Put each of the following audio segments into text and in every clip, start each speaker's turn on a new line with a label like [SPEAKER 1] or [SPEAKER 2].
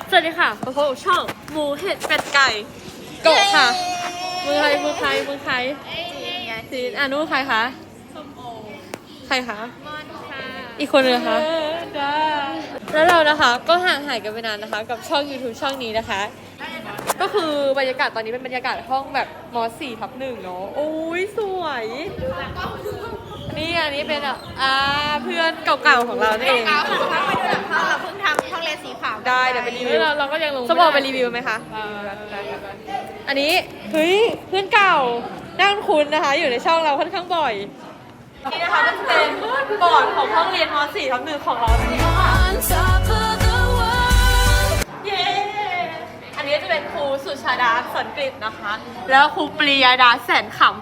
[SPEAKER 1] สวัสดีค่ะพบกับช่องหมูเห็ดเป็ดไก่โกะค่ะมือใครจีนนู้ใครคะส้มโอใครคะมอนค่ะอีกคนนึงนะคะแล้วเรานะคะก็ห่างหายกันไปนานนะคะกับช่อง YouTube ช่องนี้นะคะ ก็คือบรรยากาศตอนนี้เป็นบรรยากาศห้องแบบม.4/1เนาะโอ้ยสวยนี่อันนี้เป็นเพื่อนเก่าๆของเราเอง
[SPEAKER 2] เราเพิ่งทำช่องเลนสีขาว
[SPEAKER 1] ได้เดี๋ยวไปรีวิวเราก็ยังลงสมองไปรีวิวไหมคะอันนี้เฮ้ยเพื่อนเก่านั่งคุ้นนะคะอยู่ในช่องเราค่อนข้างบ่อยนี่นะคะก็จะเป็นบอร์ดของห้องเรียนม.4/1ของเราเองค่ะเย้อันนี้จะเป็นครูสุชาดาสอนกฤษนะคะ แล้วครูปรียดาแสนขำ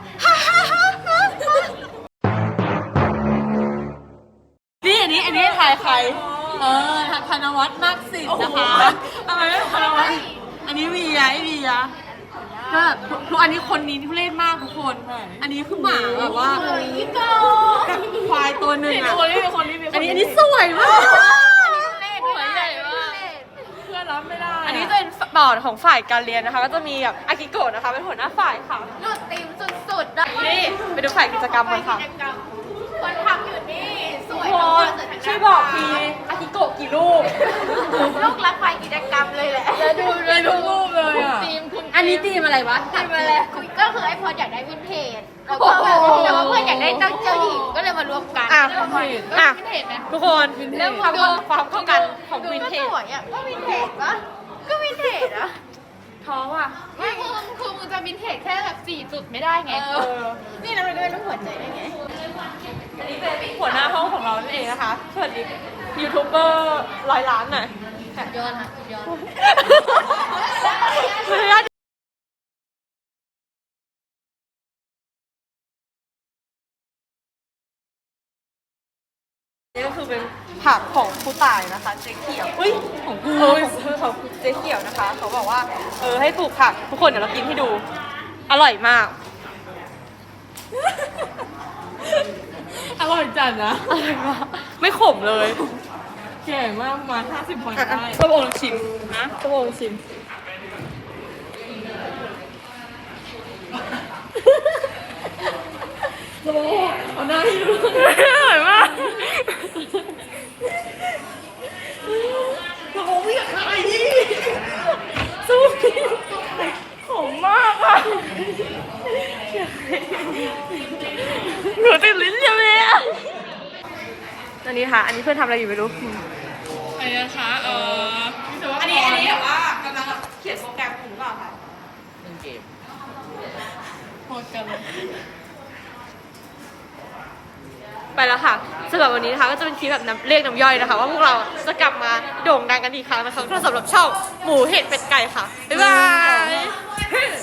[SPEAKER 1] นี่อันนี้ถ่ายใครธนวัฒน์มากสิทธิ์นะคะทำไมไม่ธนวัฒน์อันนี้วียก็แบบทุกอันนี้คนนี้ทุเรศมากทุกคนอันนี้คือหมาแบบว่าควายตัวหนึ่งอ่ะอันนี้สวยมากเพื่อนรับไม่ได้อันนี้จะเป็นบอร์ดของฝ่ายการเรียนนะคะก็จะมีแบบอากิโกะนะคะเป็นหัวหน้าฝ่ายค่ะ
[SPEAKER 2] รูดตีมสุดๆนะ
[SPEAKER 1] นี่ไปดูฝ่ายกิจกรรมกันค่ะ
[SPEAKER 2] คนทำอยู่นี่สวย
[SPEAKER 1] ทุกคนช่วยบอกทีอากิโกะกี่รูป
[SPEAKER 2] ลูกรักไฟกิจกรรมเลยแหละแล้วดูเลยทุกรูปเลยอ่ะ
[SPEAKER 1] อันนี้ทีมอะไรวะทีมอะไร
[SPEAKER 2] ก็คือไอ้พออยากได้วินเทจแล้วก็แบบแต่ว่าเพื่อนอยากได้เจ้าหญิงก็เลยมารวมกันวินเทจไหม
[SPEAKER 1] ทุกคนเรื่องความเข้ากันของวินเทจ
[SPEAKER 2] สวยอ่ะก็วินเทจปะก็วินเทจอะ
[SPEAKER 1] ท้องอ่ะ
[SPEAKER 2] ไม่คือมึงจะวินเทจแค่แบบ4 จุดไม่ได้ไงนี่เราด้วยต้องหัวใจได้ไง
[SPEAKER 1] อันนี้เป็นหัวหน้าห้องของเรานั่นเองนะคะสวัสดียูทูบเบอร์100 ล้านหน่อย
[SPEAKER 2] ย้อนค่ะย้อน
[SPEAKER 1] นี่ก็คือเป็นผักของครูต่ายนะคะเจ๊เขียวอุ้ยของกูของเจ๊เขียวนะคะเขาบอกว่าให้ปลูกผักทุกคนเดี๋ยวเรากินให้ดูอร่อยมาก
[SPEAKER 3] อร่อยจัดนะ
[SPEAKER 1] อร่อยมากไม่ขมเลย
[SPEAKER 3] แก่มากมา50 พอยได้
[SPEAKER 1] ส้มโอลองชิมนะส้มโอลองชิม
[SPEAKER 3] โอ้เอาหน้าให้ดู
[SPEAKER 1] อร่อยมาก
[SPEAKER 3] โอ้ไม่อยากขายดิ
[SPEAKER 1] สู้ขมมากอ่ะหนูติดลิ้นยังเลยอ่ะอันนี้ค่ะอันนี้เพื่อนทำอะไรอยู่ไม่รู้
[SPEAKER 3] อะไรนะคะ
[SPEAKER 1] อันนี้แบบว่ากำลังเขียนโปรแกรมหรือเปล่าคะ
[SPEAKER 3] เล่นเกมโหดกันเลย
[SPEAKER 1] ไปแล้วค่ะสำหรับวันนี้นะคะก็จะเป็นคลิปแบบเรียกน้ำย่อยนะคะว่าพวกเราจะกลับมาโด่งดังกันอีกครั้งนะคะสำหรับช่องหมูเห็ดเป็ดไก่ค่ะบ๊ายบาย